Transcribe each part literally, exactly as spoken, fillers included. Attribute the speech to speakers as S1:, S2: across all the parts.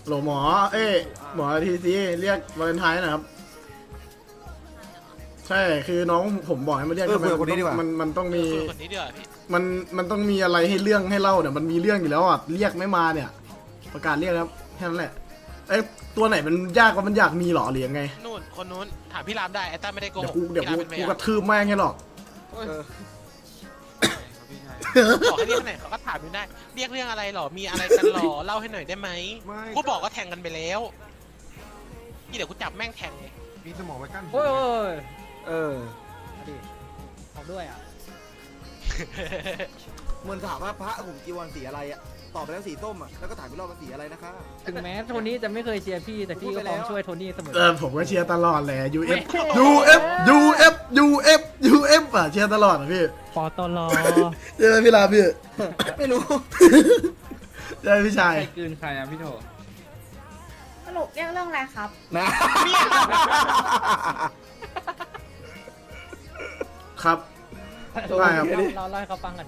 S1: โหลหมอเอ้ยหมอทีซีเรียกวาเลนไทน์นะครับใช่คือน้องผมบอกให้มาเรียก
S2: เออคุยกับคนนี้ดีกว่า
S1: มันมันต้องมี
S3: คนนี้ดีกว่าพี่
S1: มันมันต้องมีอะไรให้เรื่องให้เล่าเนี่ยมันมีเรื่องอยู่แล้วอ่ะเรียกไม่มาเนี่ย ประกาศเรียกครับแค่นั้นแหละเอ้ยตัวไหนมันยากกว่ามันอยากมีหรอหรือยังไง
S3: นู่นคนนู้นถามพี่รามได้ไอ้ต้าไม่ได้โก
S1: เดี๋ย
S3: ห
S1: ว
S3: ก
S1: กูเดี๋ยวกู
S3: พี่รามเป็น
S1: กู
S3: พ
S1: ก
S3: ยา
S1: ระ
S3: น
S1: ทืบแม่งให้หรอก
S2: เออ
S3: บอกให้เรียกไหนเขาก็ถามอยู่ได้ เรียกเรื่องอะไรหรอมีอะไรกันหรอเล่าให้หน่อยได้ไหม
S2: ไม่
S3: กูบอกว่าแทงกันไปแล้วนี่เดี๋ยวกูจับแม่งแทงเลย
S2: มีสมองไว้กั้น
S4: โอ้ย
S2: เออ
S4: มาดิเอาด้วยอ่ะ
S2: เหมือนถามว่าพระผมจีวรสีอะไรอะตอบไปแล้วสีส้มอะแล้วก็ถามพี่รอบว่าสีอะไรนะคะ
S4: ถึงแม้โทนี่จะไม่เคยเชียร์พี่แต่พี่ก็พร้อมช่วยโทนี่เสมอ
S1: เออผมก็เชียร์ตลอดแหละ ยู เอฟ
S4: ไม่
S1: ยู เอฟ ยู เอฟ ยู เอฟ ยู เอฟ อ่ะเชียร์ตลอดอ่ะพี่
S4: ปอตลอ
S1: เจอพี่ลาพี่
S2: ไม่รู้
S1: เจอพี่ชาย
S4: ใครกลืนใครอ่ะพี่โถ
S5: สรุปเรียกเรื่องอะไรครับ
S2: นะ
S1: ครับ ได้ครับ
S4: เราเล่าให้เขาฟังกัน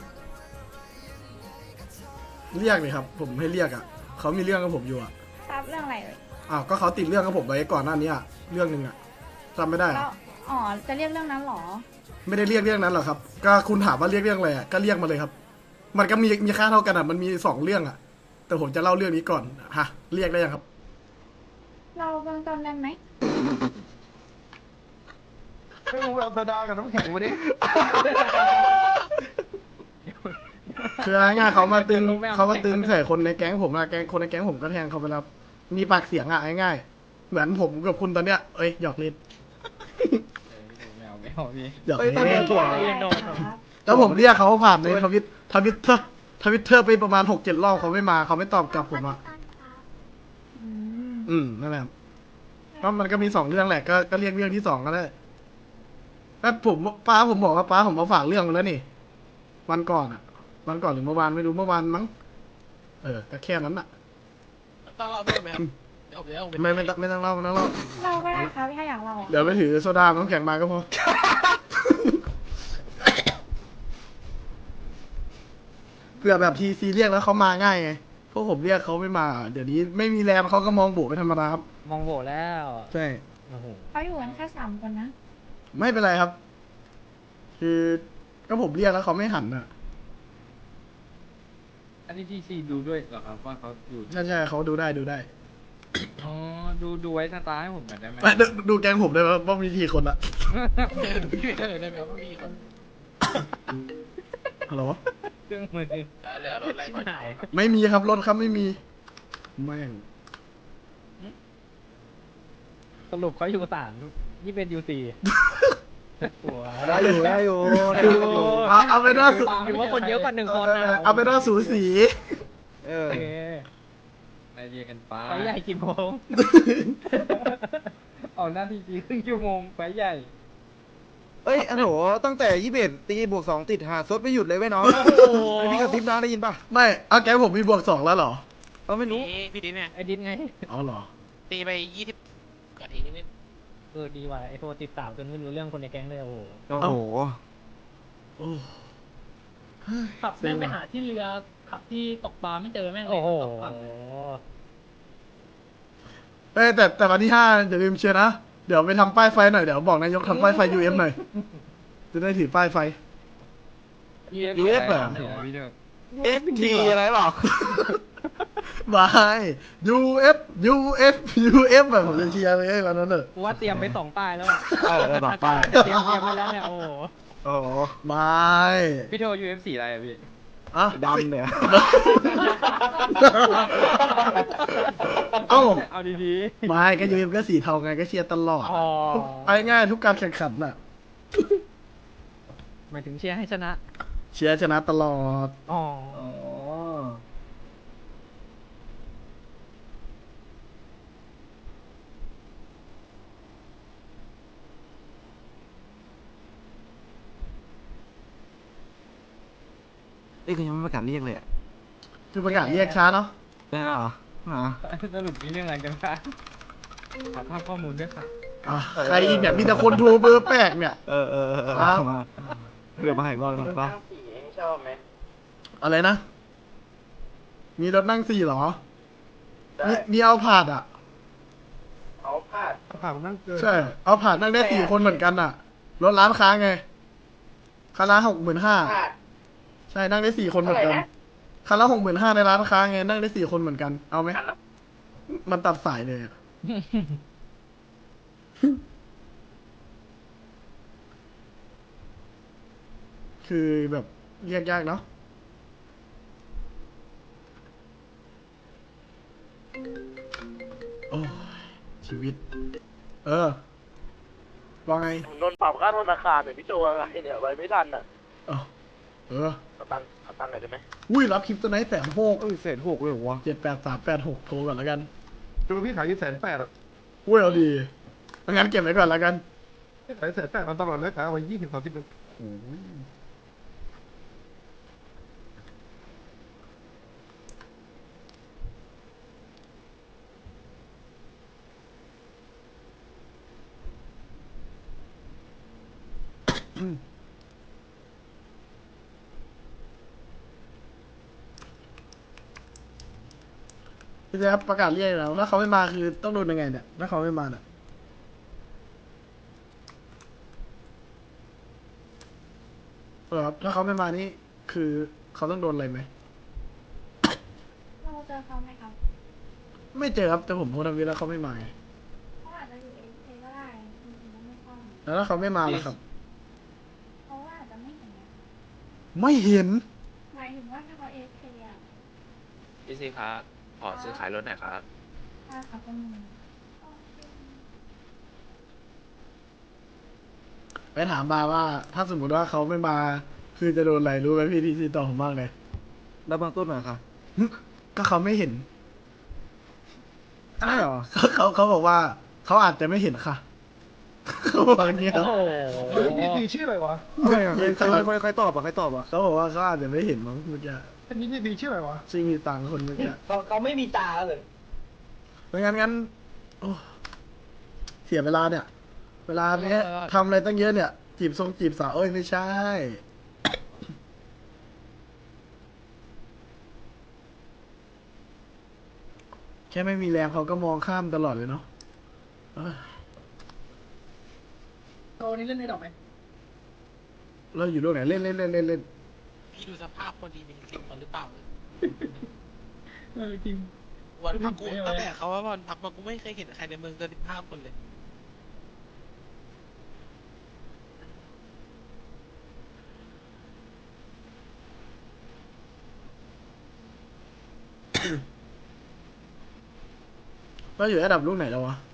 S1: เรียกเลยครับผมให้เรียกอ่ะเขามีเรื่องกับผมอยู่อ่ะ
S5: ครับเรื่องอะไรเลย
S1: อ้าวก็เขาติดเรื่องกับผมไว้ก่อนหน้านี้อ่ะเรื่องหนึ่งอ่ะจำไม่ได้
S5: แล้
S1: อะ
S5: วอ๋อ จะเรียกเรื่องนั้นเหรอ
S1: ไม่ได้เรียกเรื่องนั้นหรอกครับก็คุณถามว่าเรียกเรื่องอะไรอ่ะก็เรียกมาเลยครับ มันก็มีมีค่าเท่ากันอ่ะมันมีสองเรื่องอ่ะ แต่ผมจะเล่าเรื่องนี้ก่อนฮะเรียกได้ยังครับ
S5: เราเบื้องต้นได้ไหม
S2: ไม่รู้เอาโซดากับน้ำแข็งมาดิ
S1: คือง่ายๆเขามาตึงเขามาตึงใส่คนในแก๊งผมอะแก๊งคนในแก๊งผมก็แทงเขาไปแล้วมีปากเสียงอะง่ายๆเหมือนผมกับคุณตอนเนี้ยเอ้ยหยอกเล่น
S4: แมวไม่เอาพี่
S1: หยอก
S2: เอ้ย
S1: เล่น
S2: ตัว
S5: เรื่องอะไรครับ
S1: แล้วผมเรียกเขาผ่านในทวิตทวิตเตอร์ทวิตเตอร์ไปประมาณหกเจ็ดรอบเขาไม่มาเขาไม่ตอบกลับผมอะ
S5: อืม
S1: อืมนั่นแหละครับก็มันก็มีสองเรื่องแหละก็ก็เรียกเรื่องที่สองก็ได้แล้วผมป้าผมบอกว่าป้าผมมาฝากเรื่องมาแล้วนี่วันก่อนอะวันก่อนหรือเมื่อวานไม่รู้เมื่อวานมั้งเออก็แค่นั้นอะ
S3: ต้องเล่าด้วยไหมครับเดี๋ยวผมจะเอาป
S1: ไม่ไม่ต้องไม่ต้องเล่าไม่ต้องเล่า
S5: เราก็ได้ครับถ้าอยากเราอะ
S1: เดี๋ยวไปถือโซดาน้ำแข็งมาก็พอ เผื่อแบบทีซีเรียกแล้วเขามาง่ายไงพวกผมเรียกเขาไม่มา เดี๋ยวนี้ไม่มีแรมเขาก็มองโบเป็นธรรมดาครับ
S4: มองโบแล้ว
S1: ใช่
S4: โอ้โห
S5: เขาอยู่กันแค่สามคนนะ
S1: ไม่เป็นไรครับ คือก็ผมเรียกแล้วเขาไม่หันอ่ะ
S6: อันนี้ที่ซีดูด้วยเหรอครับว่าเขาอยู่
S1: ใช่ใช่เขาดูได้ดูได้
S6: อ๋อดูดูไว้สตาร์ให้ผมหน่อยได้ไหม
S1: ไม่ดูดูแกงผมได้ไหมว่ามีทีคนละ
S3: พี่เออได้ไหมว่ามีคน
S1: ฮัลโหล
S6: เครื่องมือ
S3: เออเหลือรถอะไรก่อน
S4: หาย
S1: ไม่มีครับรถครับไม่มีแม่ง
S4: สรุปเขาอยู่สามนี่เป็นยูสี่หัว
S2: ได้อยู่ได้อยู่ได้อยู่
S1: เอาเอาไปนว่าสู
S4: ถือว่าคนเยอะกว่าหนึ่งคนนะ
S1: เอาไปนว่าสูสี
S2: เออ
S4: โอเค
S6: นายเรียกกันไป
S4: ไฟใหญ่กี่โมง
S6: เอาหน้าที่จีครึ่งชั่วโมงไฟใหญ่
S2: เอ้ยอันโหตั้งแต่ยี่สิบเอ็ดตีบวกสองติดหาซดไม่หยุดเลยเว้ยน้องไอพี่กระซิบน้าได้ยินป่ะ
S1: ไม่เอาแกงผมมีบวกสองแล้วเหรอ
S2: เออไม่รู้
S3: พี่พี่ดินเนี่ย
S4: ไอ้ดินไง
S1: อ๋อเหรอ
S3: ตีไปยี่สิบกว่าทีนิด
S4: เออดีว่ะไอ้โทรติดสาวจนไม่รู้เรื่องคนในแก๊งเลยโอ้โห
S2: โอ้โห
S1: โอ้
S7: ขับแม่งไปหาที่เรือขับที่ตกปลาไม่เจอแม่งเลย
S4: โอ้โห
S7: ตกปลา
S1: เอ้ยแต่แต่วันที่ห้าอย่าลืมเชียร์นะ เดี๋ยวไปทำป้ายไฟหน่อย เดี๋ยวบอกนายกทำป้ายไฟ ยู เอฟ หน่อย จะได้ถือป้ายไฟ
S2: ยูเอฟเหรอ
S6: พี่เด้อ
S2: เอฟทีอะไรเปล่า
S1: บาย ยู เอฟ ยู เอฟ ยู เอฟ แบบผมจะเชียร์เลยวันนั้นเนอะ
S4: กูว่าเตรียมไปสองป้ายแล้วอะ
S2: เออเออบอกป้าย
S4: เตรียมเตรียมไปแล้วเนี่ยโอ้โห
S2: โอ้โห
S1: บาย
S6: พี่โทร ยู เอฟ สี่อะไรอะพี่
S1: อ่ะ
S2: ดำเนี่ย
S1: เอ้า
S6: เอาดี
S1: บายก็ยูเอฟก็สีเทาไงก็เชียร์ตลอด
S4: อ๋อ
S1: ไปง่ายทุกการแข่งขันน่ะ
S4: หมายถึงเชียร์ให้ชนะ
S1: เชียร์ชนะตลอด
S4: อ๋อ
S2: อ๋อ นี่คือยังไม่ประกาศเรียกเลยอะ
S1: คือประกาศเรียกช้าเนาะ
S2: ได้เหรออ๋อ
S6: ๆสรุปมีเรื่องอะไรกันคะขอภาพข้อมูลด้วยค่ะ
S1: อ่ะใครอีกเนี่ยมีแต่คนโทรเบอร์แปลกเนี่ย
S2: เออเออเออเออ
S1: ครับ
S2: มาเรือมาให้รอดก่อนป่ะ
S1: อะไรนะ มีรถนั่งสี่เหรอ
S8: ได้
S1: มีมีเอาผาดอ่ะ
S6: ผ่านนั่งเกิน
S1: ใช่ เอาผาดนั่งได้สี่คนเหมือนกันอ่ะ รถร้านค้าไงคันละหกหมื่นห้าใช่ นั่งได้สี่คนเหมือนกันคันละหกหมื่นห้าในร้านค้าไง นั่งได้สี่คนเหมือนกัน เอาไหม มันตัดสายเลยอะ คือแบบเรียกยากเนาะ โอ้ยชีวิต เออว่าไง
S8: ผมโดนปรับค่าธนาคารเนี่ยพี่โจอะไรเนี่ยไว้ไม่ทันอ่ะ
S1: เออเออ
S8: เอาตังค์เอาตังค์หน่อยได้ไหม
S1: อุ้ยรับคลิปตัวไหนแสนหก
S2: เอ้ยเศษหกเลยเหรอวะ
S1: เจ็ดแปดสามแปดหกโทรก่อนแล้วกัน
S6: ดูพี่ขายที่แสนแปดอะ
S1: อุ้ยเอาดีงั้นเก็บไว้ก่อนแล้วกัน
S6: ขายแสนแปดมันตลอดเลยขายเอาไว้ยี่สิบสามสิบนึง
S1: โอ้ยพี่แจ๊บประกาศเรียกแล้วถ้าเขาไม่มาคือต้องโดนยังไงเนี่ยถ้าเขาไม่มาเนี่ยเออครับถ้าเขาไม่มานี่คือเขาต้องโดนอะไรไหม
S5: เราเจอเขาไหมครับ
S1: ไม่เจอครับแต่ผมโพสต์ทวิตแล้วเขาไม่มาไง
S5: เขาอาจจะอยู่เอฟเก็ได้จริงๆแล้วไม่ต้อง
S1: แล้วถ้าเขาไม่มาล่ะครับ
S5: เพราะว่าอาจจะไม่เห็นไง
S1: ไม่เห็น
S5: หมายถึงว่าถ้าเขาเอฟเอะ
S9: พี่ซีครับขอซื้อขายรถหน่อยครับ
S5: ถ้าเขาเป็นมือ
S1: ไปถามบาว่า ถ้าสมมุติว่าเขาไม่มา คือจะโดนอะไรรู้ไหมพี่ทีซีตอบผมมากเลย
S2: แล้วบางต้นหน่อยค่ะ
S1: ก็เขาไม่เห็น
S2: ใช่เหรอ
S1: เขาเขาเขาบอกว่าเขาอาจจะไม่เห็นค่ะ เขาบอกอย่างเงี้ย
S4: โอ้โห
S6: เฮ้ยนี่ดีชื่ออะไรวะ
S2: ใช่เหรอใครใครใครใครตอบอ่ะใครตอบอ่ะ
S1: เขาบอกว่าเขาอาจจะไม่เห็นมั้งเมื่อกี้
S6: อันนี้นี่ดีชื่ออะไรวะ
S1: ซิงมีตังค์คนเมื่อกี้
S7: เขาเขาไม่มีตาเลย
S1: เพราะงั้นงั้นโอ้เสียเวลาเนี่ย เวลาเนี้ยทำอะไรตั้งเยอะเนี่ย จีบทรงจีบสาวเอ้ยไม่ใช่ แค่ไม่มีแรงเขาก็มองข้ามตลอดเลยเนาะเอ้ย
S7: โตนี้เล่นในดอกไหม
S1: เราอยู่โลกไหนเล่นเล่นเล่นเล่นเล่น
S3: พี่ดูสภาพคนดีมีสิงมันหรือเปล่า
S7: เออจริง
S3: วันพักกู
S7: ไม่ไหว
S3: ตั้งแต่เขาว่าวันพักมากูไม่เคยเห็นใครในเมืองเกินสิบห้าคนเลย
S1: เราอยู่ระดับลูกไหนแล้ววะ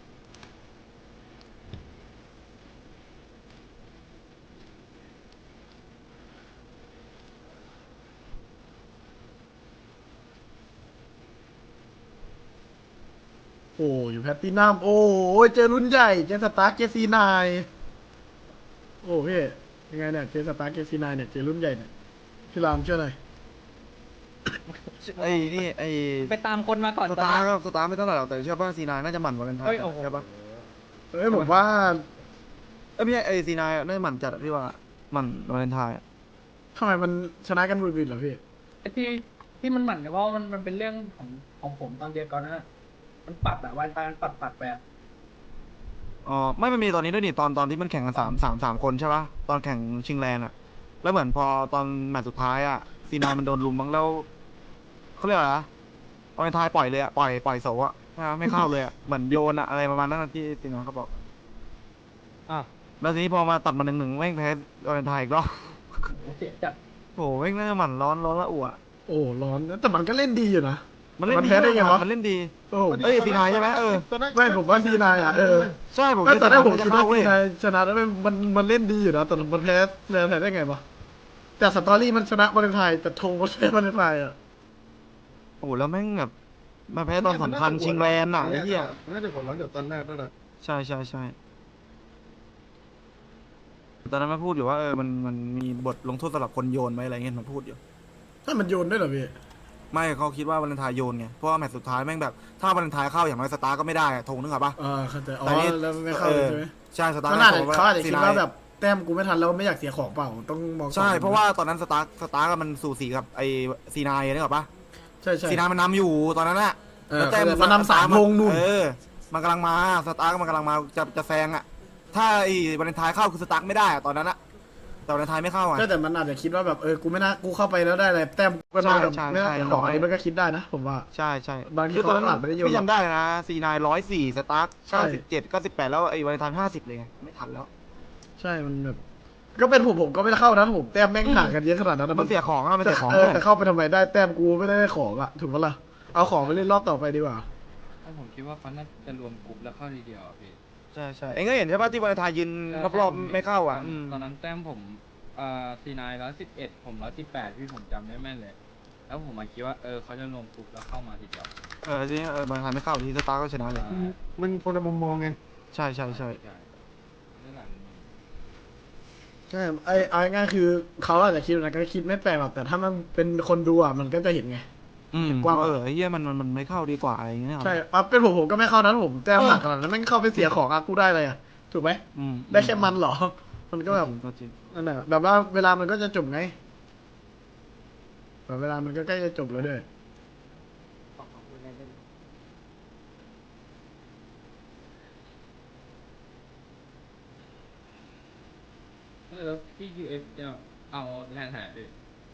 S1: โอ้อยู่แพตตินัมโอ้ยเจอรุ่นใหญ่ เจอสตาร์เจซีนายโอ้พี่ยังไงเนี่ย เจอสตาร์เจซีนายเนี่ย เจอรุ่นใหญ่เนี่ย พี่รามช่วยหน่อย
S2: ไอ้นี่ไอ้
S4: ไปตามคนมาก่อน
S2: สตาร์ก็สตาร์ไม่เท่าไหร่หรอกแต่เชื่อป่ะซีนายน่าจะหมั่นกว่ากันทัน
S4: เฮ้ยโอ้โห
S2: ใช่ป่ะ
S1: เอ้ยผมว่า
S2: เอ้ยไม่ใช่ไอ้ซีนายน่าจะหมั่นจัดอะพี่ว่าหมั่นวาเลนไทน์อะ
S1: ทำไมมันชนะกันบุดบิดเหรอพี่
S7: ไอ้ที่ที่มันหมั่นกับว่ามันมันเป็นเรื่องของของผมตอนเดียวก่อนนะมันปัดอะวันไปมันปัดปัดไปอะ
S2: อ๋อไม่มันมีตอนนี้ด้วยนี่ตอนตอนที่มันแข่งกันสามสามสามคนใช่ป่ะตอนแข่งชิงแลนด์อะแล้วเหมือนพอตอนแมตช์สุดท้ายอะซีนายมันโดนลุมบ้างแล้วเขาเรียกอะไรนะวาเลนไทน์ปล่อยเลยอะปล่อยปล่อยโสอะไม่เข้าเลยอะเหมือนโยนอะอะไรประมาณนั้นอะที่ซีนายเขาบอก
S4: อ่ะ
S2: แล้วทีนี้พอมาตัดมาหนึ่งหนึ่งแม่งแพ้วาเลนไทน์อีกรอบ
S7: เสียจัด
S2: โอ้โหแม่งน่าจะหมั่นร้อนร้อนละอั่ว
S1: โอ้ร้อนนะแต่มันก็เล่นดีอยู่นะ
S2: มันเล่น
S1: มัน
S2: ดี
S1: แพ้ได้ไงวะ
S2: มันเล่นดี
S1: โอ้
S2: เอ้ยซีนายใช่ไหมเออ
S1: ไม่ผมว่าซีนายอ่ะเออ
S2: ใช่ผม
S1: ไม่ตอนแรกผม
S2: จะ
S1: คิด
S2: เข้า
S1: ว่า
S2: เว้
S1: ซี
S2: ย
S1: นายชนะแล้วมันมันมันเล่นดีอยู่นะแต่มันแพ้แพ้ได้ไงวะแต่สตอรี่มันชนะวาเลนไทน์แต่ธงมันแพ้วาเลนไทน์อ่ะ
S2: โอ้โหแล้วแม่งแบบมาแพ้ตอนสำคัญชิงแลนด์อ่ะไอ้เหี้ย
S6: น่าจะผลหลังจากตอนแรกนั่นแหละ
S2: ใช่ใช่ใช่ตอนนั้นมาพูดอยู่ว่าเออมันมันมีบทลงโทษสำหรับคนโยนไหมอะไรเงี้ยมันพูดอยู่
S1: ถ้ามันโยนได้เหรอพี่
S2: ไม่เขาคิดว่าวาเลนไทน์โยนไงเพราะว่าแมตช์สุดท้ายแม่งแบบถ้าวาเลนไทน์เข้าอย่างน้อยสตาร์ก็ไม่ได้อะธงนึกออกปะ
S1: อ่าเข้าใจอ๋อ
S2: แต่นี่
S1: แล้วไม่เข้า
S2: เอ
S1: เลย
S2: อ
S1: ใช่ไหม
S2: ใช่สตาร์
S1: เขาอาจจะ
S2: ก็
S1: เขาอาจจะคิดว่า
S2: ซีนย
S1: แบบแต้มกูไม่ทันแล้วไม่อยากเสียของเปล่าต้องมองก่อน
S2: ใช่เพราะว่าตอนนั้นสตาร์สตาร์ก็มันสู่สีกับไอซีนายนึกออกปะ
S1: ใช่ใช่
S2: ซีนายมันนำอยู่ตอนนั้นอะ
S1: เออ
S2: แล้วแต้ม
S1: มันนำสามลงนู่น
S2: เออมันกำลังมาสตาร์กมันกำลังมาจะจะแซงอ่ะถ้าไอ้วาเลนไทน์เข้าคือสตาร์กไม่ได้อะตอนนั้นอะแต่วาเลนไทน์ไม่เข้าอ่ะ
S1: ก็แต่มันอาจจะคิดว่าแบบเออกูไม่น่ากูเข้าไปแล้วได้อะไรแต้มกูก็น้อยกับ
S2: ใช่ใช่
S1: ไม่น่า
S2: ใช่
S1: ของอัน
S2: น้อย
S1: นี้มันก็คิดได้นะผมว่า
S2: ใช่ใช่
S1: บางที
S2: คือตอนนั้น
S1: เขาอาจไม่ได้โยน
S2: พี่จำได้นะซีนายร้อยสี่สตาร์ก
S1: ใช่
S2: เก้าสิบเจ็ดเก้าสิบแปดแล้วไอ้วาเลนไทน์ห้าสิบเลยไงไม่ทันแล้ว
S1: ใช่มันแบบก็เป็นผมผมก็ไม่ได้เข้านะผมแต้มแม่งห่างกันเยอะขนาดนั้นนะ
S2: มันเสียของอะมัน
S1: แต่
S2: เสียของ
S1: เออแต่เข้าไปทำไมได้แต้มกูไม่ได้ของอะถูกปะล่ะเอาของไปเล่นรอบต่อไปดีกว่า
S6: ถ้าผมคิดว่าเขาน่าจะรวมกลุ่มแล้วเข้าทีเดียวอะพี่
S2: ใช่ใช่เอ็งก็เห็นใช่ป่ะที่วาเลนไทน์ยืนรอบๆไม่เข้าอ่ะอืม
S6: ตอนนั้นแต้มผมเอ่อซีนายร้อยสิบเอ็ดผมร้อยสิบแปดพี่ผมจำได้แม่นเลย แล้วผมมาคิดว่าเออเขาจะรวมกลุ่มแล้วเข้ามาทีเดียว
S2: เออที่เออวาเลนไทน์ไม่เข้าที่สตาร์กก็ชนะเลย
S1: มันคนละมุมมองไง
S2: ใช่ใช่ใช่
S6: ใช่เรื่องหลัง
S1: ใช่ไอ้เอาง่ายๆคือเขาอาจจะคิดนะก็คิดไม่แปลกหรอกแต่ถ้ามันเป็นคนดูอะมันก็จะเห็นไง
S2: อืม
S1: กว้าง
S2: เออไอ้เหี้ยมันมันมันไม่เข้าดีกว่าอะไรอย่างเงี้ย
S1: ใช่อ่ะเป็นผมผมก็ไม่เข้านะผมแต้มห่างขนาดนั้นแม่งเข้าไปเสียของอะกูได้เลยอะถูกไหม
S2: อืม
S1: ได้แค่มันเหรอ มันก็แบบ
S2: ก็จริง
S1: นั่นแหละแบบว่าเวลามันก็จะจบไงแบบเวลามันก็ใกล้จะจบแล้วด้วย
S6: แล้วพี่ยูเอฟจะเอาแรงหายดิ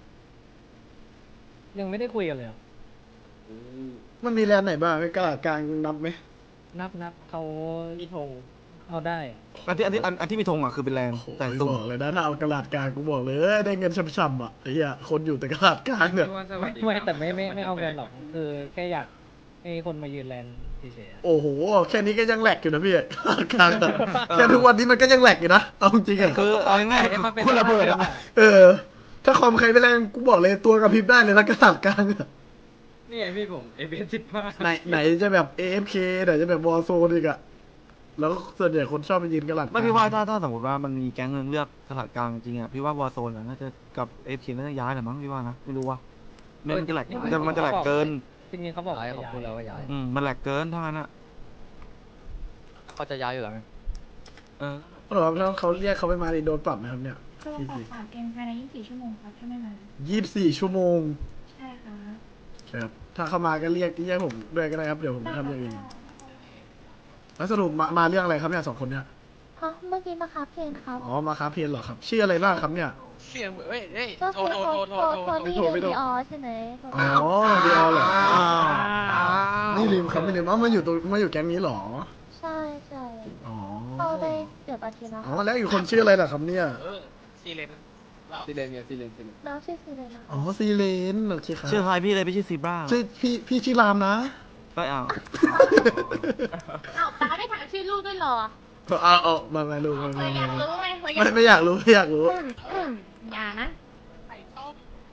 S4: ยังไม่ได้คุยกันเลยอะ
S1: มันมีแลนด์ไหนบ้างไอ้กระดาษกลางนับไหม
S4: นับนับเขามีธงเอาได้อะ
S2: อันที่อันที่อันอันที่มีธงอ่ะคือเป็นแรงแต่
S1: ไม่
S2: ตุ้ม
S1: บอกเลยนะถ้าเอากระดาษกลางกูบอกเลยได้เงินช่ำๆอ่ะไอ้เหี้ยคนอยู่แต่กระดาษกลางเนี่ย
S6: พี่ว่าสวั
S4: ไม่
S6: สดิ
S4: ไม่
S6: การ
S4: แต่ไม่ไม่ไม่เอากันหรอกคือแค่อยากให้คนมายืนแลนเฉยๆอะ
S1: โอ้โหแค่นี้ก็ยังแหลกอยู่นะพี่กลางแต่แค่ทุกวันนี้มันก็ยังแหลกอยู่นะเอาจริงๆอ่ะ
S2: คือเอาง่าย
S4: ให้มันเป็น
S2: ๆคุณระเบิดอ่ะ
S1: เออ ถ้าคอมใครไม่แรงกูบอกเลยตัวกระพริบได้เลยนะกระดาษกลางอะ
S6: นี่ไงพี่ผมเอฟเอสิบห้า
S1: ไหนไหนจะแบบ เอ เอฟ เค ไหนจะแบบวอร์โซนอีกอะแล้วส่วนใหญ่คนชอบไปยืนกระดาษกลาง
S2: ไม่พี่ว่าถ้าถ้าสมมติว่ามันมีแก๊งเงินเลือกตลาดกลางจริงอ่ะพี่ว่าวอร์โซนอ่ะน่าจะกับเอฟเคน่าจะย้ายแหละมั้งพี่ว่านะไม่รู้ว่ามันจะแหลกมันจะมันจะแหลกเกิน
S4: จริงๆเขาบอกย้ายของคุณแล้วว่าย้าย
S2: อืมมันแหลกเกินเท่านั้นอ่ะ
S4: เขาจะย้ายอยู่แล้ว
S2: เออ
S1: เขาบอกว่าถ้าเขาเรียกเขาไปมาดิโดนปรับนะครับเนี่ย
S5: ก็ลงปรับสามเกมภายในยี่สิบสี่ชั่วโมงครับถ้าไม่มา
S1: ยี่สิบสี่ชั่วโมง
S5: ใช่ค่ะ
S1: ครับถ้าเขามาก็เรียกเรียกผมด้วยก็ได้ครับเดี๋ยวผมทำอย่างอื่นแล้วสรุปมามาเรื่องอะไรครับเนี่ยสองคนเนี่ย
S5: เพราะเมื่อกี้มาครับเพลงครับ
S1: อ๋อมาค้าเพียนเหรอครับชื่ออะไรบ้างครับเนี่ย
S3: เสียงเอ้ยเอ้ย
S5: ก็
S3: โทร
S5: คือ
S3: โทร
S5: โท
S3: โท
S5: ร
S3: ร
S5: โท
S3: โท
S5: ร
S3: ร
S5: โทรนี่
S1: โทรไม่
S5: ดี
S1: โทร
S5: ออใช่ไหม
S1: อ๋อดีออเหรออ้าวไม่ลืมครับไม่ลืมว่ามาอยู่ตัวมาอยู่แก๊งนี้เหรอ
S5: ใช่ใช่
S1: อ๋อ
S5: เข้าได้เกือบอาทิตย์แล้ว
S1: อ๋อแล้วอีกคนชื่ออะไรล่ะครับเนี่ย
S3: เออซีเลนเรา
S6: ซีเลนเนี่ยซีเลนซีเลน
S5: น้องชื่อซีเลยนะ
S1: อ๋อซีเลนโอเคครับ
S2: ชื่อใครพี่เลยไม่ใช่ซีบรา
S1: ชื่อพี่พี่ชื่อรามนะ
S2: ไม่เอา
S5: อ้าวป้าไม่ถามชื่อลูกด้วยเหรอ
S1: เอาเอามามาดูมามา
S5: อยาก
S1: มา
S5: รู้ไหม
S1: ไม่ไม่อยากรู้ไม่อยากรู้
S5: อืมอืมอย่านะ
S3: ไข่ต้ม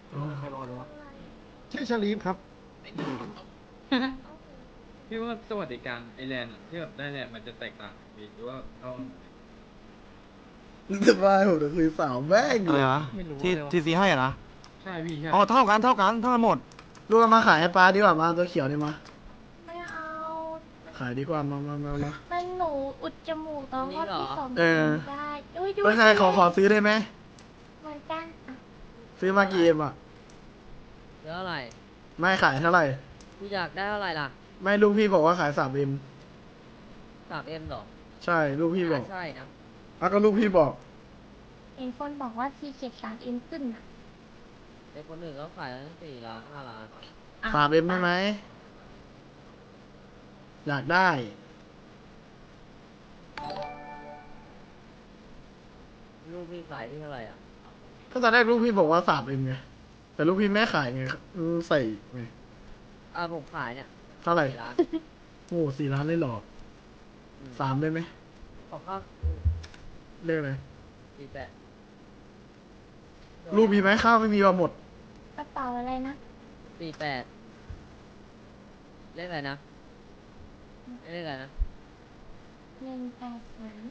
S1: ชื่อชาลีฟครับ
S6: พี่ว่าสวัสดิการไอแลนด์อะที่แบบได้เนี่ยมันจะแตกต่างพี่หรือว่าเขา
S1: สบายผมจะคุยสาวแม่ง
S2: อะไรวะ
S4: ไม่รู้
S2: ที่
S4: เลยว่ะ
S2: ที่ซีให้อ่ะนะ
S6: ใช่พี่ใช่
S2: อ๋อเท่ากันเท่ากันเท่ากันหมด
S1: ลูกเอามาขายให้ป้าดีกว่ามาตัวเขียวนี่มา
S5: ไม่เอา
S1: ขายดีกว่ามามามามา
S5: มันหนูอุดจมูกตอนรอบที่สอง
S1: เออ
S5: ได้อุ้ยดู
S1: ไม่ใช่ขอขอซื้อได้ไหม
S5: เหมือนกันอ่ะ
S1: ซื้อมากี่เอ็มอ่ะ
S10: เท่าไหร่
S1: ไม่ขายเท่าไหร่
S10: กูอยากได้เท่าไหร่ล่ะ
S1: ไม่ลูกพี่บอกว่าขายสามเอ็ม
S10: สามเอ็มหรอ
S1: ใช่ลูกพี่บอก
S10: ใช่นะ
S1: อ่ะก็ลูกพี่บอก
S5: เห็นคนบอกว่าทีเจ็ดสามเอ็มขึ้นอ่ะ
S10: แต่คนอื่นเขาขายตั้งสี่ล้านห้าล้าน
S5: อ่ะ
S1: สามเอ็มได้ไหมอยากได้
S10: ลูกพี่ขายที่เท่าไหร่อ่ะ
S1: ก็ตอนแรกลูกพี่บอกว่าสามเอ็มไงแต่ลูกพี่แม่ขายไงอืมใส่ไง
S10: อ่าผมขายเนี่ย
S1: เท่าไหร่
S10: สี่ล้าน
S1: โอ้สี่ล้านเลยเหรอ
S10: อืม
S1: สามได้ไหม
S10: ขอข้าว
S1: เรียกอะไร
S10: สี่แปด
S1: ลูกมีไหมข้าวไม่มีว่าหมด
S5: กระเป๋าอะไรนะ
S10: สี่แปดเลขอะไรนะเลขอะไรนะ
S5: หนึ่งแปดสาม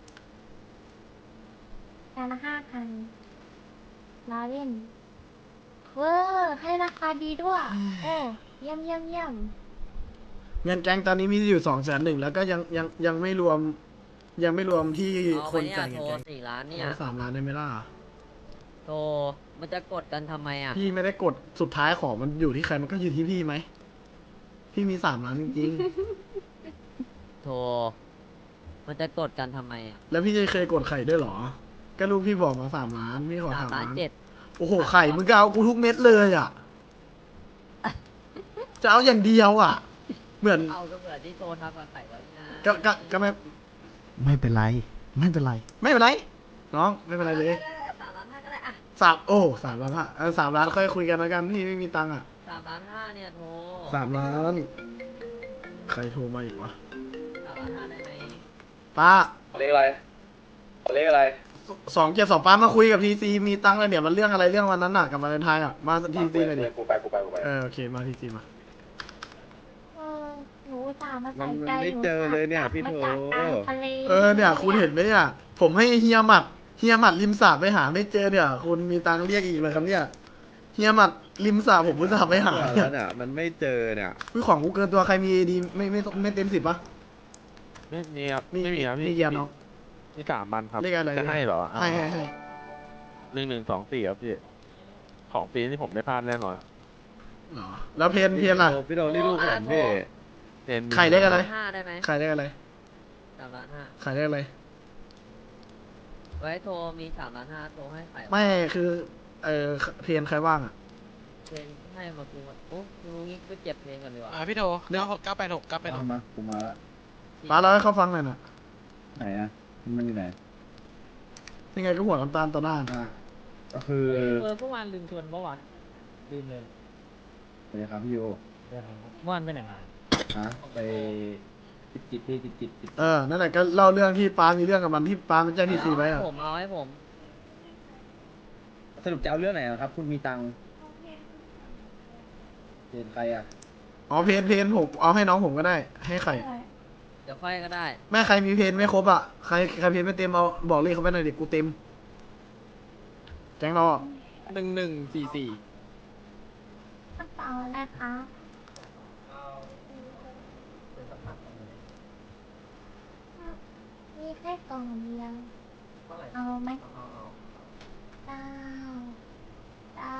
S5: จานละห้าพันล้อเล่นเวอร์ให้ราคาดีด้วยเออเยี่ยมเยี่ยมเยี่ยม
S1: เงินแก๊งตอนนี้มีอยู่สองแสนหนึ่งแล้วก็ยังยังยังไม่รวม ยังไม่รวมที่
S10: เอา
S1: ค
S10: ไป
S1: น
S10: เนี่ย
S1: จ่ายเงิ
S10: โท
S1: น
S10: ร
S1: แก๊ง
S10: สี่ล้านเนี่ย
S1: เอาสามล้านได้ไหมล่ะ
S10: โทรมันจะกดกันทำไมอ่ะ
S1: พี่ไม่ได้กดสุดท้ายของมันอยู่ที่ใครมันก็อยู่ที่พี่ไหมพี่มีสามล้านจริง
S10: โทร มันจะกดกันทำไมอ่ะ
S1: ๆ แล้วพี่จะเคยกดไข่ด้วยเหรอ ก็ลูกพี่บอกมาสามล้านพี่ขอ
S10: สาม
S1: สาม
S10: ล้า
S1: ล้าน น
S10: เจ็ด
S1: โอ้โหไข่มึงก็เอากูทุกเม็ดเลยอ่ะ จะเอาอย่างเดียวอ่ะ เหมือน
S10: เอาก็เหมือนที่โทรทำกับไข่ไว้นะ
S1: ก็ก็ก็ไม่ไม่เป็นไร ไม่เป็นไร ไม่เป็นไร น้องไม่เป็นไรเลย
S10: สามล้านห้าก็ได้อ่ะ
S1: สามโอ้สามล้านฮะเออสามล้านค่อยคุยกันแล้วกันพี่ไม่มีตังค์อ่ะ
S10: สามล้านห้าเนี่ยโทร
S1: สามล้าน ใครโทรมาอีกวะ
S10: สามล้านห้าได้ไหม
S1: ป้า
S8: เลขอะไรเลขอะไร
S1: สองเจ็ดสองป้ามาคุยกับทีซีมีตังค์เลยเนี่ยมันเรื่องอะไรเรื่องวันนั้นน่ะกับวาเลนไทน์อ่ะมาทีซีเลยดิ
S8: กูไปกูไปกูไป
S1: เออโอเคมาทีซีมา
S5: เออหนูอุตสาห์มา
S2: มั
S5: ใส่
S2: น
S5: ใจ
S2: ไม่เจอเลยเนี่ยพี่โถ
S5: มาจากกลางทะเล
S1: เออเนี่ยคุณเห็นไหมเนี่ยผมให้เฮียหมัดเฮียหมัดริมสระไปหาไม่เจอเนี่ยคุณมีตังค์เรียกอีกเลยครับเนี่ยเฮียหมัดริมสระผมอุตส่าห์ไปหาเนี่ย
S2: เนี่ยมันไม่เจอเนี่ย
S1: วิของกูเกินตัวใครมีดีไม่ไม่ไม่เต็มสิบปะ
S9: ไม่มีครับ
S1: มี
S9: ไม่มีครับ
S1: มี
S9: พี่
S1: เกียร์น้อง
S9: มีสามพันครับ
S1: เลขอะไร
S9: จะให้เหรอ
S1: ให้ให้ให้
S9: หนึ่งหนึ่งสองสี่ครับพี่ ของปีนี้ผมไม่พลาดแน่นอน
S1: เหรอแล้วเพนเพนล่ะ
S2: พี่โดนี่ลูกผมพี่
S9: เรียน
S1: ใครเลขอะไร
S10: ห้าได้ไหม
S1: ใครเลขอะไร
S10: สามล้านห้า
S1: ใครเลขอะไร
S10: ไว้โทรมีสามล้านห้าโทรให้ไข่
S1: ไม่คือเออเพนใครว่างอ่ะ
S10: เพลงให้มากูมาโอ้กูงี้ไปเก็บเพลงก่อนดีกว่า
S3: อ่าพี่โทเก้าหกเก้าแปดหกเก้าแปดหก
S7: มากูมาละ
S1: ป้าเราให้เขาฟังหน่อยนะ
S7: ไหนอ่ะมันอยู่ไหน
S1: ยังไงก็หัวน้ำตาลต่อหน้า
S7: อ่ะก็คือ
S4: เออเมื่อวานลืมชวนเมื่อวานลืมเลย
S7: สวัสดีครับพี่โย
S4: เมื่อวานไปไหนมา
S7: ฮะไปจิตจิตพี่จิตจิตจิต
S1: เออนั่นแหละก็เล่าเรื่องที่ป้ามีเรื่องกับมันที่ป้ามันแจ้งทีซีไว้อ่ะ
S10: ผมเอาให้ผม
S7: สรุปจะเอาเรื่องไหนครับ คุณมีตังค์เห็นใครอ่ะ
S1: อ๋อเพนเพนผมเอาให้น้องผมก็ได้ ให้ใคร
S10: เดี๋ยวค่อยก็ได้
S1: แม่ใครมีเพนไม่ครบอ่ะใครใครเพนไม่เต็มเอาบอกเลขเขาไปหน่อยเด็กกูเต็มแจ้งเราอ่ะ
S4: หนึ่งหนึ่งสี่สี่
S5: กระเป๋าอะไรคะมีแค่กล่องเดียวเอาไหมเก้าเก้า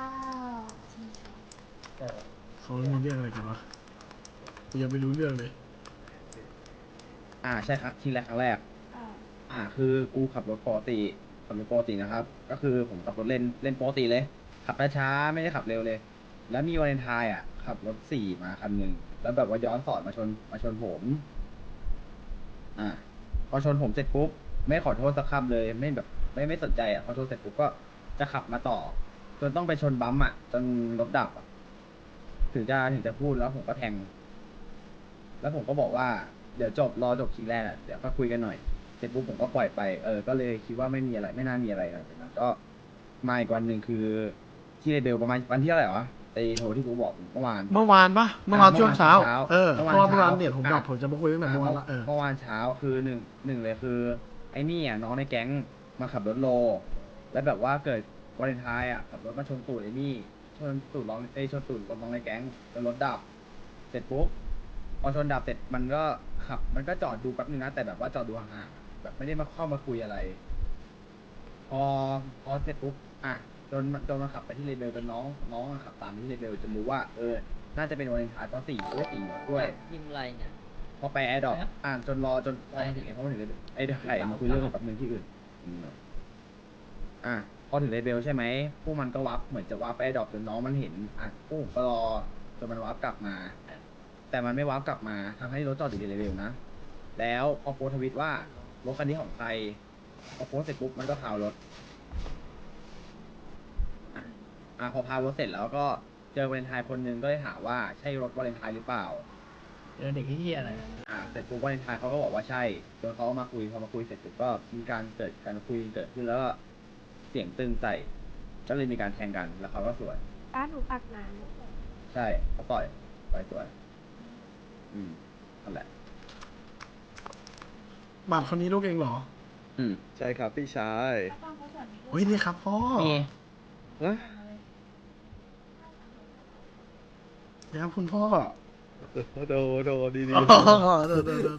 S1: เขามีเรื่องอะไรกันวะกูยังไม่รู้เรื่องเลย
S7: อ่าใช่ครับทีแรกครั้งแรก อ่า คือกูขับรถปกติขับรถปกตินะครับ ก็คือผมขับรถเล่นเล่นปกติเลย ขับช้าๆไม่ได้ขับเร็วเลย แล้วมีวาเลนไทน์อ่ะขับรถสี่มาคันหนึ่งแล้วแบบว่าย้อนสอนมาชนมาชนผม อ่า พอชนผมเสร็จปุ๊บไม่ขอโทษสักคำเลยไม่แบบไม่ไม่สนใจอ่ะพอชนเสร็จปุ๊บก็จะขับมาต่อ จนต้องไปชนบัมป์อ่ะจนรถดับอ่ะถึงจะถึงจะพูดแล้วผมก็แทง แล้วผมก็บอกว่าเดี๋ยวจบรอจบคิงแรกอ่ะเดี๋ยวก็คุยกันหน่อยเสร็จปุ๊บผมก็ปล่อยไปเออก็เลยคิดว่าไม่มีอะไรไม่น่ามีอะไรหลังจากนั้นก็มาอีกวันหนึ่งคือที่เรเบลประมาณวันที่เท่าไหร่วะไอโทรที่กูบอกเมื่อวาน
S1: เมื่อวานปะเมื่อวาน
S7: อ่ะ
S1: ช่วงเช้า
S7: เมื่อวานเช้า
S1: เออเพ
S7: เมื่อ
S1: ราะ
S7: วาน
S1: ว่าเมื่อวาน
S7: เช้า
S1: เนี่ยผมบอก
S7: อ่ะ
S1: ผมจะมาคุยตั้งแต่เมื่อวานละเออ
S7: เมื่อวานเช้าคือหนึ่งหนึ่งเลยคือ ไอ้นี่อ่ะน้องในแก๊งมาขับรถโล แล้วแบบว่าเกิดวาเลนไทน์อ่ะขับรถมาชนตูดไอ้นี่ชนตูดน้องไอยชนตูดรถน้องในแก๊งจนรถดับ เสร็จปุ๊บพอชนดับเสร็จมันก็ขับ มันก็จอดดูแป๊บนึงนะแต่แบบว่าจอดดูห่างๆแบบไม่ได้มาเข้ามาคุยอะไร พอพอเสร็จปุ๊บอ่ะจนจนมาขับไปที่เรเบลจนน้องน้องอะขับตามไปที่เรเบลจนรู้ว่าเออน่าจะเป็นวาเลนไทน์ตอนสี่ด้วยสี่ด้วย
S10: พิมพ์อะไรเนี่ย
S7: พอไปแอร์ดรอปอ่านจนรอจนพอมาถึงไอ้พอมาถึงไอ้ไข่มาคุยเรื่องกับแป๊บนึงที่อื่นอืมอ่ะพอถึงเลเบลใช่ไหมพวกมันก็วับเหมือนจะวับไปแอร์ดรอปจนน้องมันเห็นอ่ะพวกผมก็รอจนมันวับกลับมา แต่มันไม่วับกลับมาทำให้รถจอดอยู่ในเลเบลนะแล้วพอโพสต์ทวิตว่ารถคันนี้ของใครพอโพสต์เสร็จปุ๊บมันก็พาวรถอ่ะอ่ะพอพาวรถเสร็จแล้วก็เจอวาเลนไทน์คนหนึงก็เลยถามว่าใช่รถวาเลนไทน์หรือเปล่า
S4: เจอเด็กที่อะไร
S7: อ่าเสร็จปุ๊บวาเลนไทน์เขาก็บอกว่าใช่จนเขามาคุยพอมาคุยเสร็จปุ๊บก็มีการเกิดการคุยเกิดขึ้นแล้วก็เสียงตึงใส่ก็เลยมีการแทงกันแล้วเขาก็สวน
S5: ป้าหนูปักหนาน
S7: ใช่เขาต่อยต่อยสวนอืมนั่นแหละ
S1: บาทคนนี้ลูกเองเหรอ
S7: อืม
S2: ใช่ครับพี่ชาย
S1: เฮ้ยนี่ครับพ่อ
S2: นะ
S1: เดี๋ยวคุณพ่อ
S2: โดโดดีดี
S1: อ๋อเดี๋ยวเดี๋ยวเดี๋ยว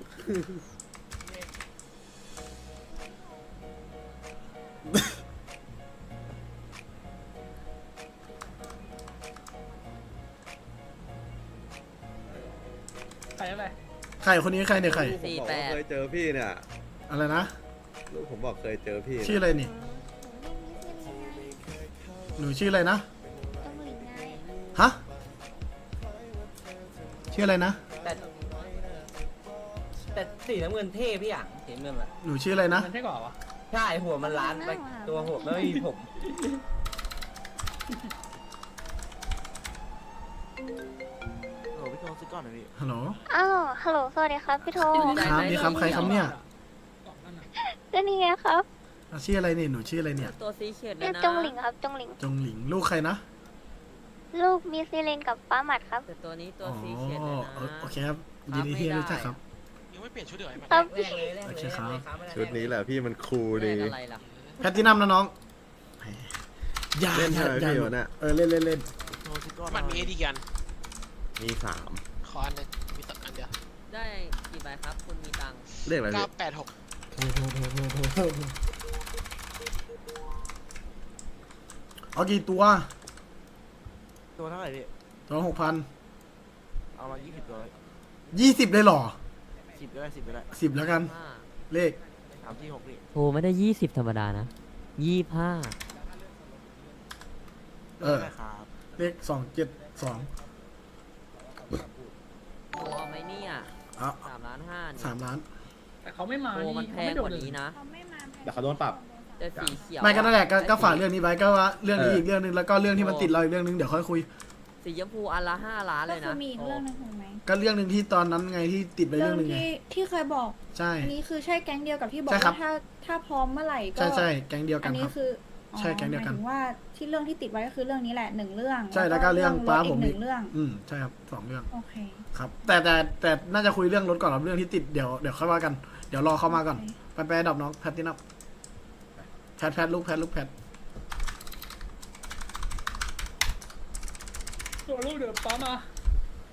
S4: รอะไร
S1: ใครคนนี้ใครเนี่ยใคร
S10: สี่แปด
S9: เคยเจอพี่เนี่ย
S1: อะไรนะ
S9: ลูกผมบอกเคยเจอพี่
S1: ชื่ออะไรนี่ หนูชื่ออะไรนะ ฮะ ชื่ออะไรนะ
S11: แต่แต่สีน้ำเงินเท่พี่อ่ะสีน้ำเงินอ่ะ
S1: หนูชื่ออะไรนะ
S4: มันใช่ก่อนวะ
S11: ใช่หัวมันล้านไปตัวหัวไม่มีผม
S2: โหพี่โทรซื้อก่อนหน่อยพี่
S1: ฮัลโหล
S5: อ้าว ฮัลโหล สวัสดีครับพี่โท
S1: ครับนี่ครับใครครับเนี่ย
S5: ก็นี่ไงครับ
S1: อ่ะชื่ออะไรนี่ หนูชื่ออะไรเนี่ย
S10: ตัวซีเขียดเล
S5: เรีย
S10: ย
S5: ก
S10: นะ
S5: จงหลิงครับ จงหลิง
S1: จงหลิง ลูกใครนะ
S5: ลูกมีซีเลนกับป้าหมัดครับ
S10: แต่ตัวนี้ตัว
S1: อ๋อ
S10: ซีเขียดเลยนะ
S1: โอโอเคครับยินดีที่ได้รู้จักครับ
S3: ยังไม่เปลี่ยนชุดเดี๋ยวไอ้มัน
S5: ครับ
S11: แรกเลยแรก
S1: โอ
S11: เลย
S1: เคครับ
S11: แรกเลยครับ
S9: ชุดนี้แหละพี่มันคูล
S10: เล่
S9: ดี
S10: นอะไรล่ะ
S1: แพตตินัมนะน้องอย่า
S9: เล่น
S1: อย่า
S9: ใช่ไหม
S1: อย่า
S9: พี่วันน่ะ
S1: เออเล่นเล่นเล่น
S2: โทรซื้อก่อน
S3: มันมีเอดีกัน
S9: มีสาม
S3: ขออันหนึงมีตัดอันเดียว
S10: ได้กี่ใบครับ คุณมีตังค์
S9: เรียกอะไร
S3: เก้า
S9: พี่
S3: แปดหก
S1: โทรโทรโทรโทรโทรโทรเอากี่ตัว
S2: ตัวเท่าไหร่พี่
S1: ตัวหกพัน
S2: เอามายี่สิบตัว
S1: ยี่สิบเลยเหรอ
S2: สิบก็ได้สิบก็ได้
S1: สิบแล้วกัน
S10: ห้า
S1: เลข
S2: สามที่หกพี่
S10: โทรไม่ได้ยี่สิบธรรมดานะยี่ห้า
S1: เออ
S2: ได้ครับ
S1: เลขสองเจ็ดสอง
S10: โทรเอาไหมเนี่ย
S1: อ่ะ
S10: สามล้านห้านี่
S1: สามล้าน
S4: แต่เขาไม่มา
S10: โทรมัน
S4: นี่
S10: แพ
S4: เขา
S10: ง
S4: ไม่โด
S10: ก
S4: ด
S10: ว่า
S4: เลย
S10: นี้นะ
S7: เดี๋ยวเขาโดนปรับ
S10: แต่สีเขียว
S1: ไม่ก็นั่นแหละก็
S10: ได้
S1: ก็ฝาก
S10: สี
S1: เรื่องนี้ไว้ก็ว่าเรื่องนี้
S7: เอออี
S1: อีกเรื่องนึงแล้วก็เรื่องที่มันติดเราอีกเรื่องนึงเดี๋ยวค่อยคุย
S10: สีชมพูอันละห้าล้านเลย
S12: ก็
S10: นะ
S12: คือมีอีกเรื่องหนึงถูกไหม
S1: ก็เรื่องหนึ่งที่ตอนนั้นไงที่ติดไป
S12: เรื่
S1: เรื่
S12: อ
S1: อง งหนึ่งไง
S12: ที่ที่เคยบอก
S1: ใช่
S12: อันนี้คือใช่แก๊งเดียวกับที่บอก
S1: ใช่ครับ
S12: ว่าถ้าถ้าพร้อมเมื่อไหร่ก็
S1: ใช่ใช่แก๊งเดียวกั
S12: อั
S1: น
S12: น
S1: ค
S12: นี้
S1: รับ
S12: คืออ๋อ
S1: ใช่แก๊งเดียวกัน
S12: หมายถึงว่าที่เรื่องที่ติดไว้ก็คือเรื่องนี้แหละหนึ่งเรื่อง
S1: ใช่แล้วก็เรื่อง
S12: รถ
S1: ป้า
S12: อี
S1: ผ
S12: ก
S1: ม
S12: ห
S1: อี
S12: นึ่
S1: ก
S12: งเรื่อง
S1: อืมใช่ครับสองเรื่อง
S12: โอเค
S1: ครับ แต่แต่แต่น่าจะคุยเรื่องรถก่อนครับเรื่องที่ติดเดี๋ยวเดี๋ยวค่อยว่ากันเดี๋ยวรอเข้ามาก่อนไปไปดับน้องแพทตินับแพทแพทลูกแพทลูกแพท
S4: ตัวลูกเดือดป้ามา